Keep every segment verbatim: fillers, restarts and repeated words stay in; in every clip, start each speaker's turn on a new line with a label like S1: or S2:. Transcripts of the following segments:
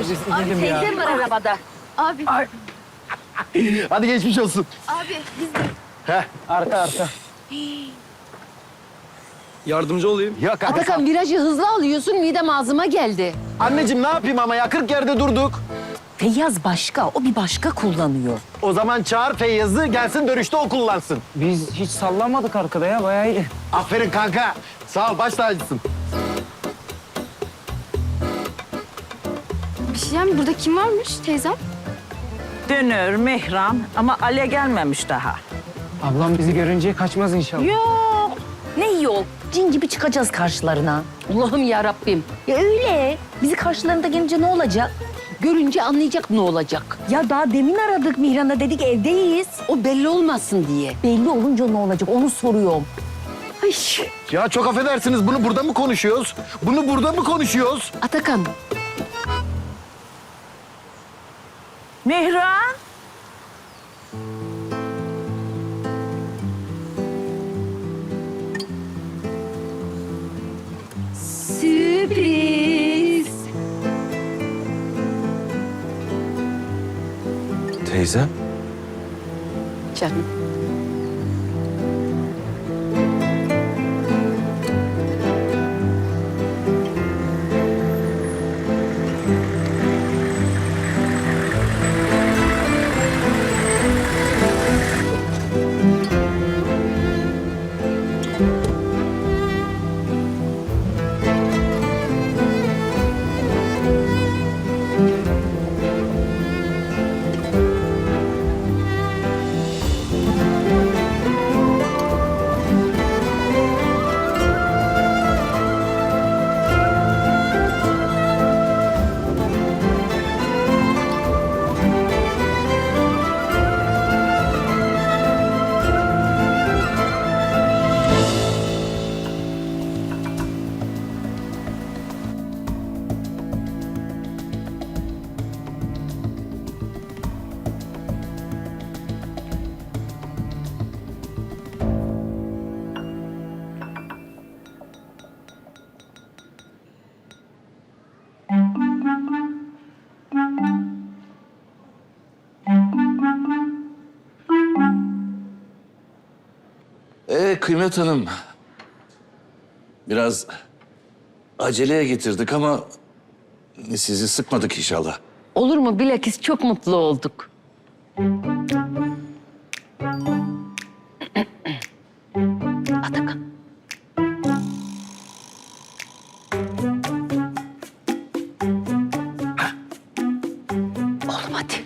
S1: Abi teyzem var arabada.
S2: Abi,
S3: Ay. Hadi geçmiş olsun.
S2: abi biz de...
S3: Heh.
S4: Arka arka. Yardımcı olayım.
S3: Yok abi.
S1: Atakan virajı hızlı alıyorsun, midem ağzıma geldi.
S3: Anneciğim ne yapayım ama ya kırk yerde durduk.
S1: Feyyaz başka, o bir başka kullanıyor.
S3: O zaman çağır Feyyaz'ı gelsin dönüşte o kullansın.
S4: Biz hiç sallanmadık arkada ya, bayağı iyi.
S3: Aferin kanka. Sağ ol baş tacısın.
S2: Bir şey diyeyim mi? Burada kim varmış teyzem?
S5: Dönür, Mihran ama Ale gelmemiş daha.
S4: Ablam bizi görünce kaçmaz inşallah.
S1: Yok, ne yol? Cin gibi çıkacağız karşılarına. Allah'ım ya Rabbim. Ya öyle. Bizi karşılarında gelince ne olacak? Görünce anlayacak ne olacak. Ya daha demin aradık Mihran'a, dedik evdeyiz. O belli olmasın diye. Belli olunca ne olacak onu soruyorum. Ay.
S3: Ya çok affedersiniz bunu burada mı konuşuyoruz? Bunu burada mı konuşuyoruz?
S1: Atakan,
S5: Mihran,
S1: sürpriz.
S6: Teyzem?
S1: Canım.
S6: Ee Kıymet Hanım, biraz aceleye getirdik ama sizi sıkmadık inşallah.
S1: Olur mu? Bilakis çok mutlu olduk. Atakan. Oğlum hadi.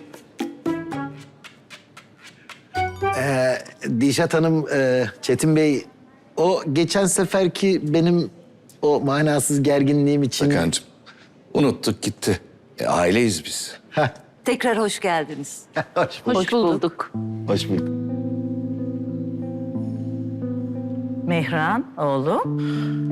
S3: Ee, Dişat Hanım, e, Çetin Bey, o geçen seferki benim o manasız gerginliğim için...
S6: Hakan'cığım, unuttuk gitti. E, aileyiz biz.
S3: Heh,
S5: tekrar hoş geldiniz.
S3: hoş bulduk.
S1: Hoş bulduk.
S3: Hoş bulduk.
S5: Mihran, oğlum.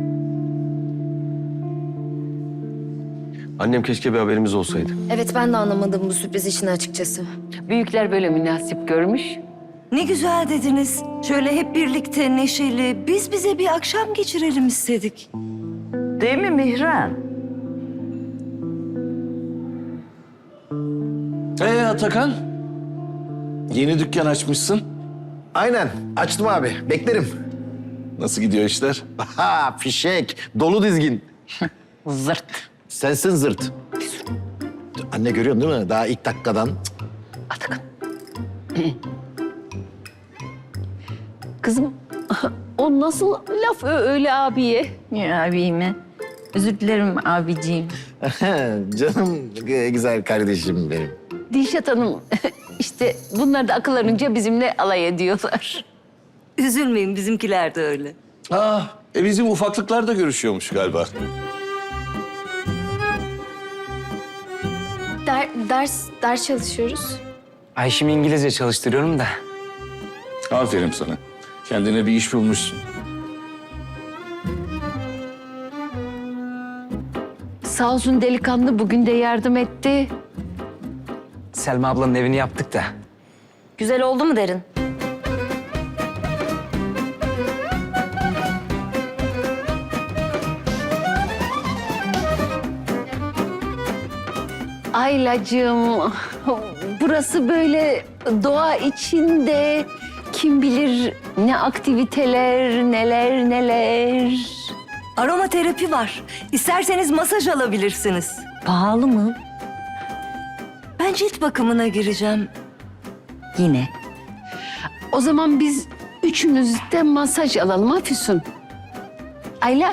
S7: Annem keşke bir haberimiz olsaydı.
S2: Evet ben de anlamadım bu sürpriz işini açıkçası.
S1: Büyükler böyle münasip görmüş.
S8: Ne güzel dediniz. Şöyle hep birlikte neşeli, biz bize bir akşam geçirelim istedik.
S5: Değil mi Mihran?
S6: Ee Atakan, yeni dükkan açmışsın.
S3: Aynen, açtım abi. Beklerim.
S6: Nasıl gidiyor işler?
S3: Ha, fişek, dolu dizgin.
S1: Zırt.
S3: Sensin zırt. Anne görüyorsun değil mi? Daha ilk dakikadan.
S1: Atakan. Kızım, o nasıl laf ö- öyle abiye?
S8: Ya abime. Özür dilerim abiciğim.
S3: Canım e, güzel kardeşim benim.
S1: Dilşat Hanım, işte bunlar da akıllarınca bizimle alay ediyorlar.
S8: Üzülmeyin bizimkiler de öyle.
S6: Ah, e bizim ufaklıklar da görüşüyormuş galiba.
S2: Der, ders, ders çalışıyoruz.
S4: Ayşem'i İngilizce çalıştırıyorum da.
S6: Aferin sana. Kendine bir iş bulmuşsun.
S1: Sağ olsun delikanlı bugün de yardım etti.
S4: Selma ablanın evini yaptık da.
S2: Güzel oldu mu Derin?
S1: Aylacığım, burası böyle doğa içinde kim bilir ne aktiviteler, neler neler.
S8: Aromaterapi var. İsterseniz masaj alabilirsiniz.
S1: Pahalı mı?
S8: Ben cilt bakımına gireceğim.
S1: Yine. O zaman biz üçümüz de masaj alalım ha Füsun? Ayla.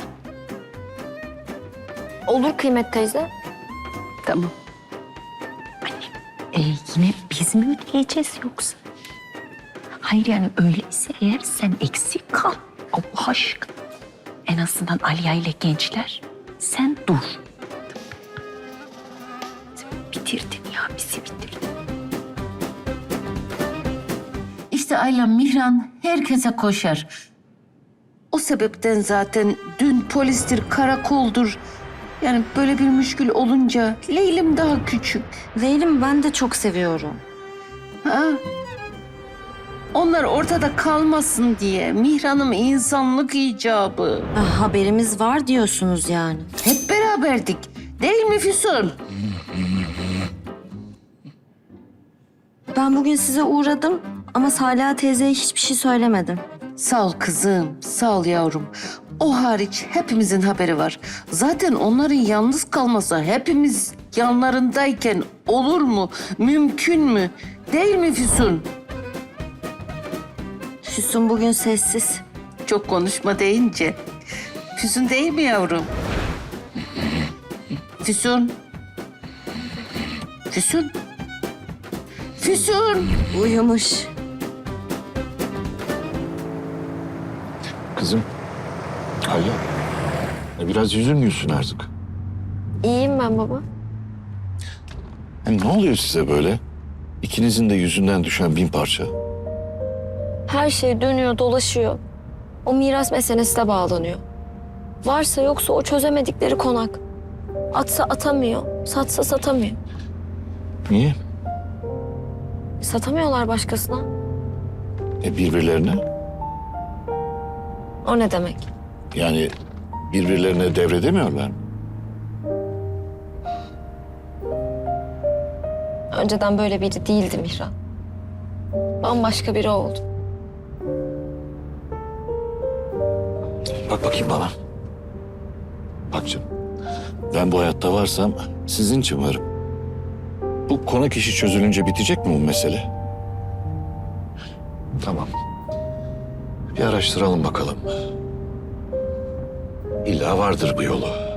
S2: Olur Kıymet teyze.
S1: Tamam. Anne, e, yine biz mi ödeyeceğiz yoksa? Hayır yani öyleyse eğer sen eksik kal. Allah aşkına. En azından Aliye ile gençler sen dur. Sen bitirdin ya bizi bitirdin. İşte Ayla Mihran herkese koşar. O sebepten zaten dün polistir, karakoldur. Yani böyle bir müşkül olunca Leylim daha küçük.
S2: Leylim ben de çok seviyorum.
S1: Ha? Onlar ortada kalmasın diye Mihran'ım insanlık icabı.
S2: Ah, haberimiz var diyorsunuz yani.
S1: Hep beraberdik. Değil mi Füsun?
S2: Ben bugün size uğradım ama Salih teyzeye hiçbir şey söylemedim.
S1: Sağ ol kızım, sağ ol yavrum. O hariç hepimizin haberi var. Zaten onların yalnız kalması hepimiz yanlarındayken olur mu? Mümkün mü? Değil mi Füsun?
S2: Füsun bugün sessiz.
S1: Çok konuşma deyince. Füsun değil mi yavrum? Füsun. Füsun. Füsun.
S2: Uyumuş.
S7: Kızım. Alo. E, Biraz üzülmüyorsun artık.
S2: İyiyim ben baba.
S7: Hem ne oluyor size böyle? İkinizin de yüzünden düşen bin parça.
S2: Her şey dönüyor dolaşıyor. O miras meselesi de bağlanıyor. Varsa yoksa o çözemedikleri konak. Atsa atamıyor, satsa satamıyor.
S7: Niye?
S2: Satamıyorlar başkasına.
S7: E birbirlerine?
S2: O ne demek?
S7: Yani birbirlerine devredemiyorlar mı?
S2: Önceden böyle biri değildi Mihran. Bambaşka biri oldu.
S7: Bak bakayım bana. Bak canım. Ben bu hayatta varsam sizin için varım. Bu konak işi çözülünce bitecek mi bu mesele? Tamam. Bir araştıralım bakalım. İlla vardır bu yolu.